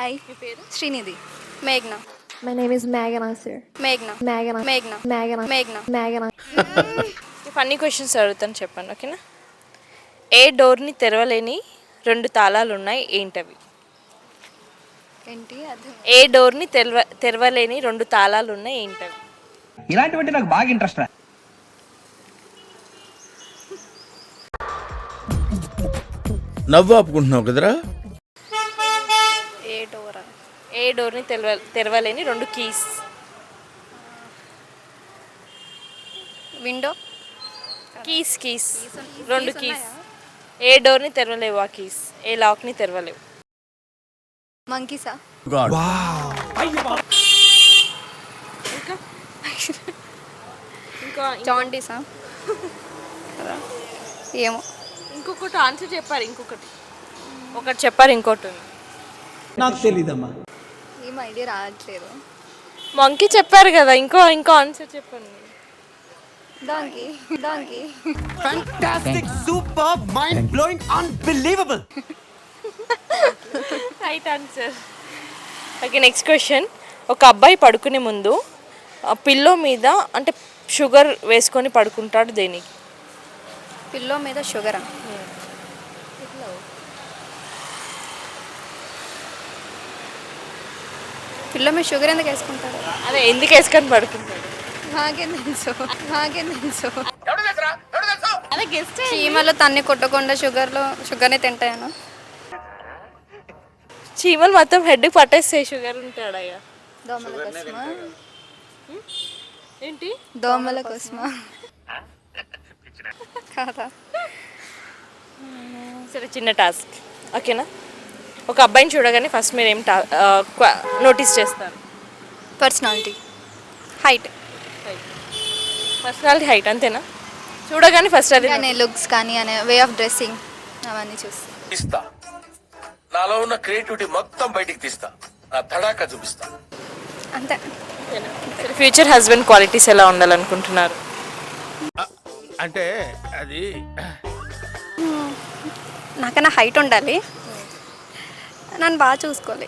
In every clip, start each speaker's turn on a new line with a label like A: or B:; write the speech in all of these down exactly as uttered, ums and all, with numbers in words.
A: Hi,
B: మీ పేరు?
A: Srinidhi.
C: మేఘ్నా.
D: My name is Megan Asir.
C: మేఘ్నా.
D: Megan.
C: మేఘ్నా.
D: Megan.
C: మేఘ్నా.
D: Megan.
B: Funny questions అడుగుతాను, చెప్పండి ఓకేనా? ఏ డోర్ని తెరవలేని రెండు తాళాలు ఉన్నాయి, ఏంటవి?
A: ఏంటి అది?
B: ఏ డోర్ని తెరవ తెరవలేని రెండు తాళాలు ఉన్నాయి, ఏంటవి?
E: ఇలాంటివంటే నాకు బాగా ఇంట్రెస్ట్ రా.
F: నవ్వు ఆపుకుంటున్నావు కదరా.
C: ఏ డోరా?
B: ఏ డోర్ని తెరవ తెరవలేని రెండు కీస్.
C: విండో.
B: కీస్ కీస్ రెండు కీస్. ఏ డోర్ని తెరవలేవు ఆ కీస్, ఏ లాక్ని తెరవలేవు.
A: మంకీసా?
B: ఇంకా ఇంకా
C: జాండీసా? ఏమో.
B: ఇంకొకటి ఆన్సర్ చెప్పారు, ఇంకొకటి ఒకటి చెప్పారు, ఇంకోటి ఉంది.
E: నాకు తెలీదమ్మా.
A: ఏం ఐడియా రావట్లేదు.
B: మంకీ చెప్పారు కదా, ఇంకో ఇంకో ఆన్సర్ చెప్పండి.
A: దానికి దానికి
G: Fantastic, superb, mind-blowing, unbelievable.
B: Right answer. Okay, next question. ఒక అబ్బాయి పడుకునే ముందు పిల్లో మీద అంటే షుగర్ వేసుకొని పడుకుంటాడు, దేనికి?
C: పిల్లో మీద షుగరా? పిల్లో మీద షుగర్ ఎందుకు వేసుకుంటారు?
B: అదే ఎందుకు వేసుకొని పడుకుంటాడు?
A: నాకేం తెలుసు నాకేం తెలుసు
B: అదే గెస్ట్.
C: చీమలు తన్ని కొట్టకుండా షుగర్లో షుగర్ని తింటాయను.
B: చీమలు మొత్తం హెడ్ పట్టేస్తే షుగర్ ఉంటాడయ్యా.
A: దోమల కోసమా?
B: ఏంటి?
A: దోమల కోసమా?
C: కాదా?
B: సరే, చిన్న టాస్క్ ఓకేనా? ఒక అబ్బాయిని చూడగానే ఫస్ట్ మీరు ఏం టా నోటీస్ చేస్తారు?
A: Personality,
C: height.
B: పర్సనాలిటీ, హైట్, అంతేనా? చూడగానే ఫస్ట్ అది
A: కానీ లుక్స్ కానీ అనే వే ఆఫ్ డ్రెస్సింగ్ అవన్నీ చూస్తాను.
H: ఇస్తా నాలో ఉన్న క్రియేటివిటీ మొత్తం బయటికి తీస్తా, నా తడాకా చూపిస్తా.
C: అంతే.
B: ఫ్యూచర్ హస్బెండ్ క్వాలిటీస్ ఎలా ఉండాలనుకుంటున్నారు?
F: అంటే అది
C: నాకన్నా హైట్ ఉండాలి, నన్ను బాగా చూసుకోవాలి.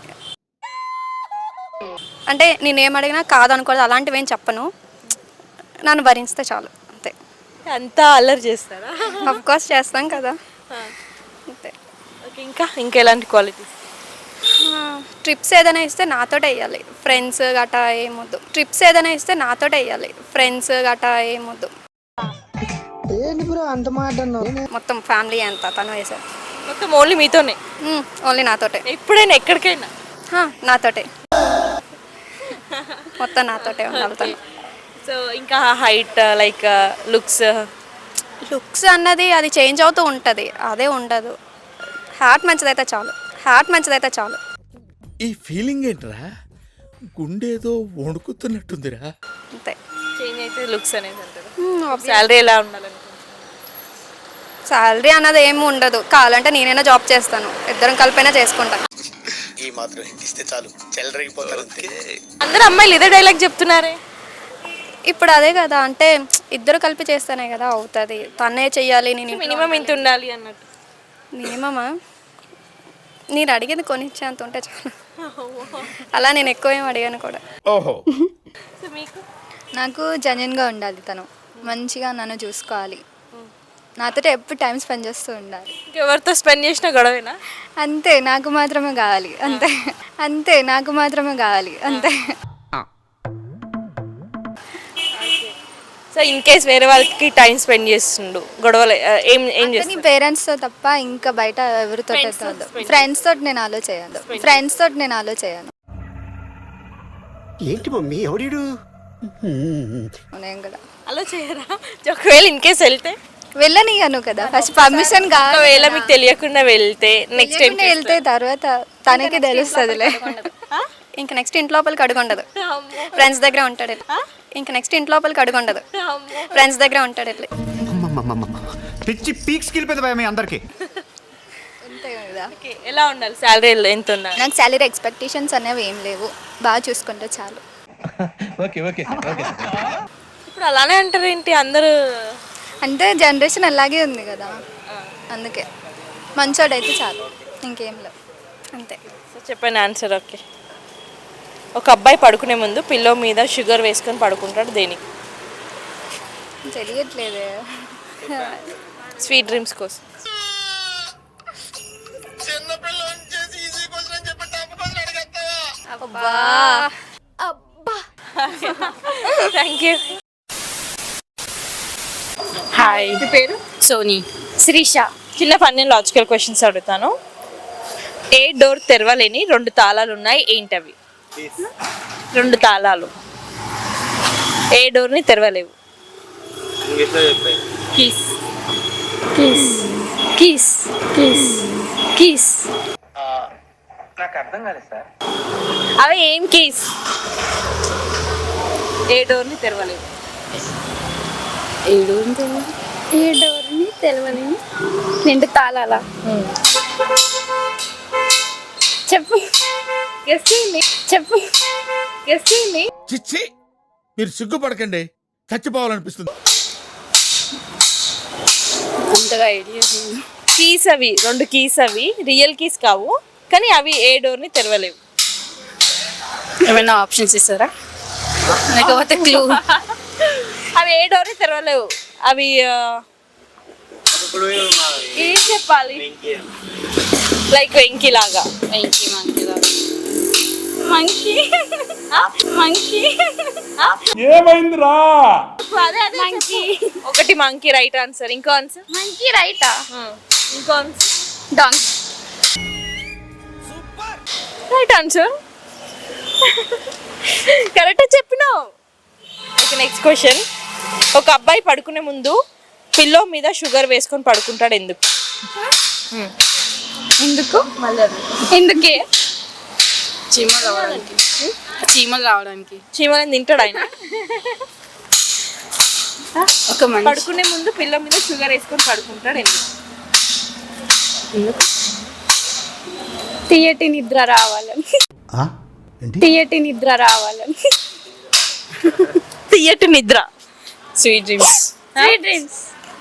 C: అంటే నేనేం అడిగినా కాదనుకోలేదు, అలాంటివి ఏం చెప్పను, నన్ను భరిస్తే చాలు అంతే.
B: అంతా అల్లరి చేస్తారా?
C: అఫ్ కోర్స్ చేస్తాం కదా. అంతే.
B: ఓకే, ఇంకా ఇంకా ఎలాంటి క్వాలిటీస్?
C: ట్రిప్స్ ఏదైనా ఇస్తే నాతోటే వేయాలి, ఫ్రెండ్స్ గట్టా ఏమొద్దు. ట్రిప్స్ ఏదైనా ఇస్తే నాతోటే వేయాలి, ఫ్రెండ్స్ గట్టా ఏమొద్దు. మొత్తం ఫ్యామిలీ అంతా తను వేసారు.
B: మొత్తం ఓన్లీ మీతోనే?
C: ఓన్లీ నాతోటే.
B: ఎప్పుడైనా ఎక్కడికైనా?
C: హా, నాతోటే మొత్తం నాతోటే ఉండాలి తను.
B: సో ఇంకా హైట్ లైక్ లుక్స్?
C: లుక్స్ అన్నది అది చేంజ్ అవుతూ ఉంటుంది, అదే ఉండదు. హార్ట్ మంచిదైతే చాలు, హార్ట్ మంచిదైతే చాలు.
F: ఈ ఫీలింగ్ ఏంట్రా, గుండేదో వణుకుతున్నట్టుందిరా.
C: అంతే.
B: చేంజ్ అయితే లుక్స్ అనేది అంటారు. శాలరీ ఎలా ఉండాలనుకుంటున్నారు?
C: శాలరీ అన్నది ఏమి ఉండదు, కావాలంటే నేనైనా జాబ్ చేస్తాను, ఇద్దరం కలిపైనా చేసుకుంటాను.
G: ఈ మాత్రం ఇస్తే చాలు, చెల్లరగిపోతారు.
B: అందరు అమ్మాయిలు ఇదే డైలాగ్ చెప్తున్నారే.
C: ఇప్పుడు అదే కదా, అంటే ఇద్దరు కలిపి చేస్తేనే కదా అవుతుంది. తనే చెయ్యాలి, నేను
B: మినిమం ఇంత ఉండాలి అన్నట్టు.
C: మినిమమా? నేను అడిగేది కొనిచ్చేంత ఉంటే చాలు. అలా నేను ఎక్కువ ఏం అడిగాను కూడా.
F: ఓహో.
B: సో మీకు?
A: నాకు జెన్యున్గా ఉండాలి, తను మంచిగా నన్ను చూసుకోవాలి, నాతో ఎప్పుడు టైం స్పెండ్ చేస్తూ ఉండాలి.
B: ఎవరితో స్పెండ్ చేసినా గొడవేనా?
A: అంతే, నాకు మాత్రమే కావాలి అంతే. అంతే, నాకు మాత్రమే కావాలి అంతే.
B: సో ఇన్ కేస్ వేరే వాళ్ళకి టైం స్పెండ్ చేస్తుండు, గొడవలు ఏం ఏం
A: నీ
B: చేస్తాడు?
A: పేరెంట్స్తో తప్ప ఇంకా బయట ఎవరితో ఫ్రెండ్స్ తోటి నేను ఆలో చేయను ఫ్రెండ్స్ తోటి నేను ఆలో చేయను
G: ఏంటి మమ్మీ ఎవడు?
A: నేను కూడా
B: అలా చేయరా? ఒకవేళ ఇన్ కేస్ వెళ్తే
A: వెళ్ళనియను కదా, ఫస్ట్ పర్మిషన్ కావాలి.
B: ఒకవేళ మీకు తెలియకుండా వెళ్తే నెక్స్ట్ టైం
A: వెళ్తే తర్వాత తనకి తెలుస్తుందిలే.
C: ఇంకా నెక్స్ట్ ఇంటి లోపలికి అడుగుండదు, ఫ్రెండ్స్ దగ్గర ఉంటాడు. ఇంకా నెక్స్ట్ ఇంటి లోపలికి అడుగుండదు, ఫ్రెండ్స్ దగ్గర ఉంటాడు. ఇట్లా
G: పిచ్చి పీక్స్ కిలిపోయింది భయ మీ అందరికి.
A: అంతే కదా.
B: ఎలా ఉండాలి? శాలరీ ఎంత ఉండాలి?
A: నాకు శాలరీ ఎక్స్పెక్టేషన్స్ అనేవి ఏం లేవు, బాగా చూసుకుంటే చాలు.
E: Okay okay okay.
B: ఇప్పుడు అలానే అంటారు ఏంటి అందరూ?
A: అంటే జనరేషన్ అలాగే ఉంది కదా, అందుకే మంచోడైతే చాలు, ఇంకేం లేవు.
C: అంతే.
B: సో చెప్పండి ఆన్సర్. ఓకే. ఒక అబ్బాయి పడుకునే ముందు పిల్లో మీద షుగర్ వేసుకొని పడుకుంటాడు దేనికి?
A: తెలియట్లేదే.
B: స్వీట్ డ్రీమ్స్ కోసం.
C: అబ్బా
B: థ్యాంక్ యూ.
I: హాయ్,
B: మీ పేరు?
I: సోనీ.
C: శ్రీష.
B: చిన్న ఫన్నీ లాజికల్ క్వశ్చన్స్ అడుగుతాను. ఏ డోర్ తెరవలేని రెండు తాళాలు ఉన్నాయి, ఏంటవి? రెండు తాళాలు ఏ డోర్ని తెరవలేవు.
I: Keys keys keys keys keys
E: నాకు అర్థం కాలేదు సార్.
B: అవి ఏం కీస్? ఏ డోర్ని తెరవలేవు.
I: ఏడు
C: ఏ డోర్ని తెలవని రెండు తాళాలా? చెప్పు
B: గెస్ చేయండి,
C: చెప్పు
B: గెస్ చేయండి.
F: చిచ్చి, మీరు సిగ్గుపడకండి, చచ్చిపోవాలనిపిస్తుంది.
I: అంతగా ఐడియా
B: కీస్ అవి రెండు కీస్, అవి రియల్ కీస్ కావు, కానీ అవి ఏ డోర్ని తెరవలేవు.
I: ఏమైనా ఆప్షన్స్ ఇస్తారా? లేకపోతే క్లూ?
B: అవి ఏ డోర్ని తెరవలేవు. అవి ఆ, ఏం చెప్పాలి? లైక్ వెంకీ లాగా.
I: మంకీ మంకీ మంకీ మంకీ
B: అదే అదే మంకీ. ఒకటి మంకీ రైట్ ఆన్సర్. ఇంకో ఆన్సర్
C: మంకీ రైటా?
B: ఇంకో ఆన్సర్
C: డాంగ్.
B: Right answer. కరెక్ట్ చెప్పినావు. Okay, next question. ఒక అబ్బాయి పడుకునే ముందు పిల్లో మీద షుగర్ వేసుకొని పడుకుంటాడు ఎందుకు?
C: ఎందుకు? ఎందుకే?
I: చీమలు రావడానికి. చీమలు రావడానికి.
B: చీమలని తింటాడు ఆయన.
I: ఒక మనిషి
B: పడుకునే ముందు పిల్లో మీద షుగర్ వేసుకొని పడుకుంటాడు ఎందుకు?
C: తీయటి నిద్ర రావాలని. తీయటి నిద్ర రావాలని.
B: తీయటి నిద్ర.
I: Sweet dreams.
C: Sweet dreams.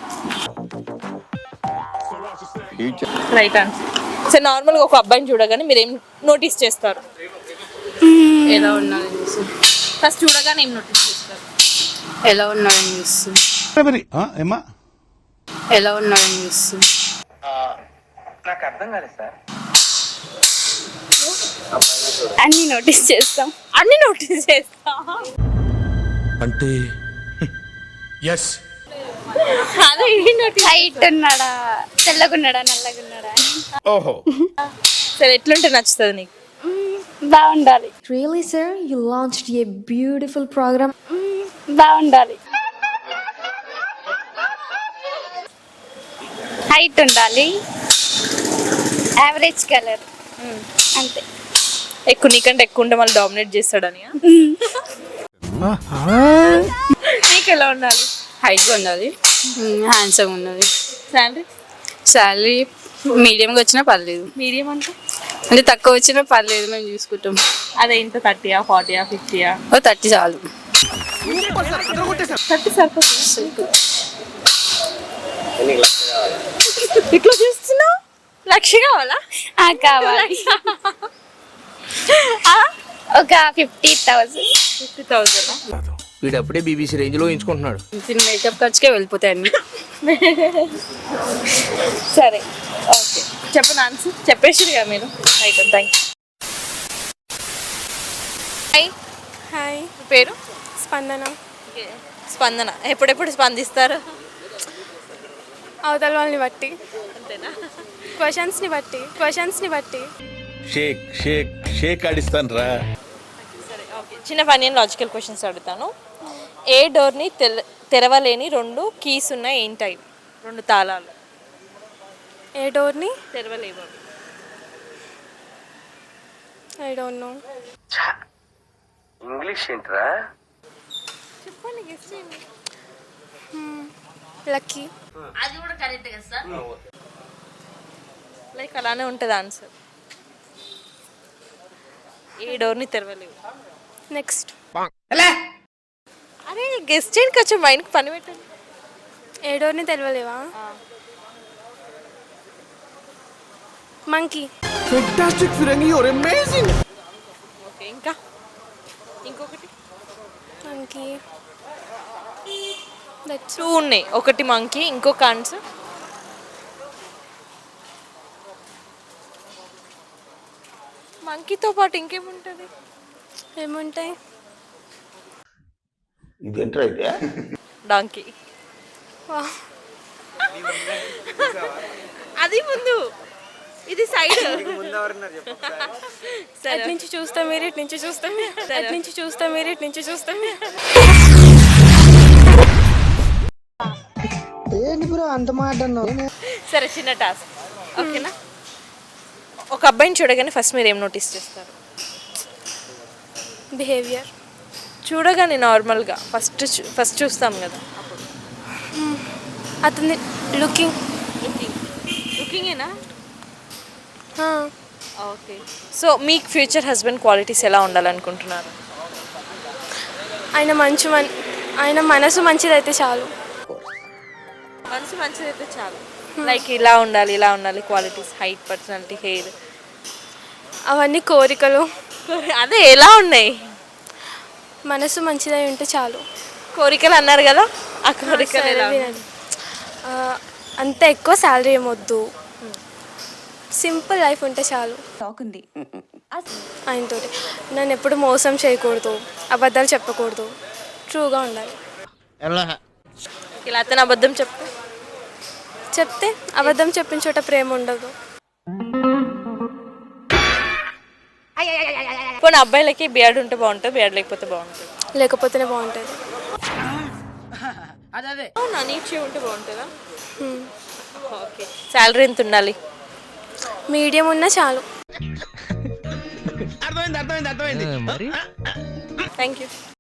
B: Right answer. So నార్మల్గా ఒక అబ్బాయిని చూడగానే మీరు ఏం నోటీస్ చేస్తారు?
I: ఎలా ఉన్నారని చూసి
B: ఫస్ట్ చూడగానే ఏం నోటీస్ చేస్తారు?
I: ఎలా ఉన్నారని చూసి
F: ఏమా
I: ఎలా ఉన్నారని చూసి
E: నాకు అర్థం కాలేదు సార్.
C: అన్ని నోటీస్ చేస్తాం.
B: అన్ని నోటీస్ చేస్తా
F: అంటే ఎస్.
B: అదే నోటీస్.
C: హైట్ ఉన్నాడా, తెల్లగున్నాడా, నల్లగున్నాడా?
F: ఓహో,
B: సరే, ఎట్లుంటే నచ్చుతుంది నీకు?
C: బాగుండాలి.
D: Really, sir? You launched a beautiful program.
C: బాగుండాలి. హైట్ ఉండాలి. Average colour. అంతే.
B: ఎక్కువ నీకంటే ఎక్కువ ఉంటే మళ్ళీ డామినేట్ చేస్తాడని. నీకు ఎలా ఉండాలి?
I: హైట్గా ఉండాలి, హ్యాండ్సమ్ ఉన్నది.
B: శాలరీ?
I: శాలరీ మీడియంగా వచ్చినా పర్లేదు.
B: మీడియం అంటే
I: అంటే తక్కువ వచ్చినా పర్లేదు, మేము చూసుకుంటాం.
B: అదే ఇంత థర్టీయా, ఫార్టీయా, ఫిఫ్టీయా?
I: ఓ థర్టీ చాలు.
B: థర్టీ సరిపోతుంది. ఇట్లా చూస్తున్నావు? లక్ష కావాలా?
C: ఆ, కావాలి. ఒక ఫిఫ్టీ థౌసండ్.
B: Fifty thousand.
E: వీడు అప్పుడే బీబీసీ రేంజ్ లో ఎంచుకుంటున్నాడు.
I: దీని మేకప్ ఖర్చుకే వెళ్ళిపోతాయి అన్ని.
B: సరే, ఓకే, చెప్పండి ఆన్సర్. చెప్పేసి కదా మీరు. Right, thank you. Hi.
C: Hi.
B: మీ పేరు?
C: స్పందన.
B: స్పందన. ఎప్పుడెప్పుడు స్పందిస్తారు?
C: అవతల వాళ్ళని బట్టి,
B: అంతేనా?
C: క్వశ్చన్స్ని బట్టి క్వశ్చన్స్ని బట్టి
F: షేక్ షేక్ షేక్ ఆడిస్తాను రా.
B: సరే, ఓకే, చిన్న ఫన్నీ లాజికల్ క్వశ్చన్స్ అడుగుతాను. ఏ డోర్ని తెల తెరవలేని రెండు కీస్ ఉన్నాయి, ఏంటాయి? రెండు తాళాలు
C: ఏ డోర్ని
B: తెరవలేవు.
C: I don't know.
H: ఇంగ్లీష్ ఏంట్రా?
B: చెప్పండి, గెస్ చేయండి.
C: లక్కీ.
B: అది కూడా కరెక్ట్ కదా సార్? లైక్ అలానే ఉంటుంది ఆన్సర్. ఏ డోర్ని తెరవలేవు.
C: నెక్స్ట్.
B: అరే గెస్ చేయండి, కొంచెం మైండ్కి పని పెట్టండి.
C: ఏ డోర్ని తెలవలేవా? మంకీ.
E: ఫెంటాస్టిక్ ఫిరంగి యువర్ అమేజింగ్.
B: ఓకే ఇంకా ఇంకొకటి
C: మంకీ. దట్స్
B: టూ ఉన్నాయి, ఒకటి మంకీ ఇంకొక ఆన్సర్. మంకీతో పాటు ఇంకేముంటుంది?
C: ఏముంటాయి?
E: ఇదేంట్రా అయితే?
B: డాంకీ. అది ముందు, ఇది సైడ్.
C: అటు నుంచి చూస్తా మీరు, ఇటు నుంచి చూస్తా మీరు, అటు నుంచి చూస్తా మీరు, ఇటు నుంచి చూస్తా మీరు.
B: సరే చిన్న టాస్క్, ఓకేనా? ఒక అబ్బాయిని చూడగానే ఫస్ట్ మీరు ఏం నోటీస్ చేస్తారు?
C: బిహేవియర్.
B: చూడగానే నార్మల్గా ఫస్ట్ ఫస్ట్ చూస్తాం కదా,
C: అతని లుకింగ్.
B: లుకింగ్ లుకింగేనా? ఓకే. సో మీకు ఫ్యూచర్ హస్బెండ్ క్వాలిటీస్ ఎలా ఉండాలనుకుంటున్నారు?
C: ఆయన మంచి మన్ ఆయన మనసు మంచిదైతే చాలు.
B: మనసు మంచిదైతే చాలు. లైక్ ఇలా ఉండాలి, ఇలా ఉండాలి క్వాలిటీస్, హైట్, పర్సనాలిటీ, హెయిర్,
C: అవన్నీ కోరికలు.
B: అదే ఎలా ఉన్నాయి?
C: మనసు మంచిదై ఉంటే చాలు.
B: కోరికలు అన్నారు కదా, ఆ కోరికలు ఎలా ఉన్నాయి?
C: వినండి. ఆ, అంత ఎక్కువ శాలరీ ఏమొద్దు, సింపుల్ లైఫ్ ఉంటే చాలు. ఆయనతో నన్ను ఎప్పుడు మోసం చేయకూడదు, అబద్ధాలు చెప్పకూడదు, ట్రూగా ఉండాలి.
B: ఇలా అతను అబద్ధం చెప్తే
C: చెప్తే అబద్ధం చెప్పిన చోట ప్రేమ ఉండదు.
B: కొన్ని అబ్బాయిలకి బియర్డ్ ఉంటే బాగుంటుంది, బియర్డ్ లేకపోతే బాగుంటుంది.
C: లేకపోతేనే బాగుంటుంది.
B: అవునా, నీచే ఉంటే బాగుంటుందా? ఓకే. శాలరీ ఎంత ఉండాలి?
C: మీడియం ఉన్నా చాలు.
E: అర్థమైంది అర్థమైంది అర్థమైంది.
B: Thank you.